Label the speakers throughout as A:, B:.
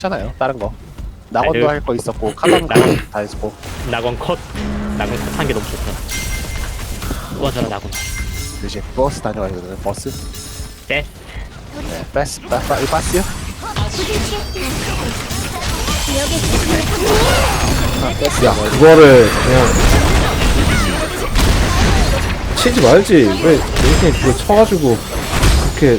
A: 했잖아요. 다른 거. 낙원도
B: 아유.
A: 할 거 있었고 카단도 다 했고.
B: 낙원 컷 한 게 너무 좋다. 원하라 낙원.
A: 이제 버스 다녀가지고 버스.
B: 네.
A: 네, 버스 버스요? 아, 버스.
C: 야 그거를 그냥 치지 말지. 왜 이렇게 그거 쳐가지고 그렇게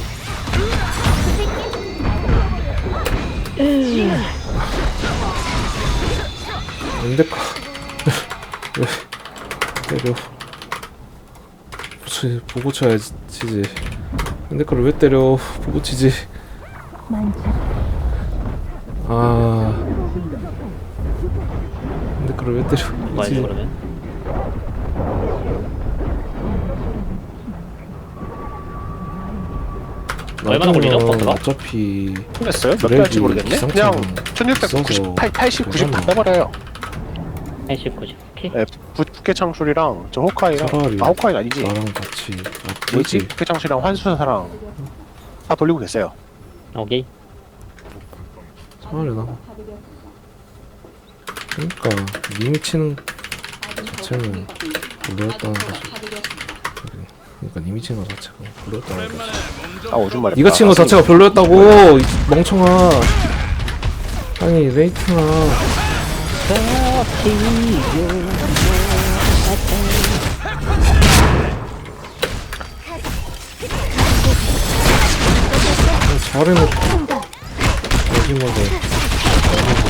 C: 근데까 왜 때려. 보고 쳐야지 치지. 근데 그걸 왜 때려. 보고 치지. 아 근데 그걸 왜 때려.
B: 뭐야지 그러면? 얼마나 걸리죠, 버스가?
C: 어차피
A: 했어요? 몇
C: 그래도
A: 개할지 모르겠네. 그냥
C: 기상청
A: 1698, 80, 90 다 빼버려요.
B: 80, 90. 오케이.
A: 네, 부캐 창술이랑 저 호카이랑
C: 차라리
A: 호카이는 아니지.
C: 나랑 같이
A: 뭐지?
C: 맞지?
A: 부캐 창술이랑 환수사랑 다 돌리고 계세요.
B: 오케이.
C: 차라리 나 그러니까 님이 치는 자체는 별로였다는 거지. 그러니까 님이 치는 거 자체가 별로였다는 거지.
A: 아 오줌 말했다.
C: 네가 치는 거 자체가 별로였다고 이 멍청아. 아니 레이트나 잘해놓고 마지막에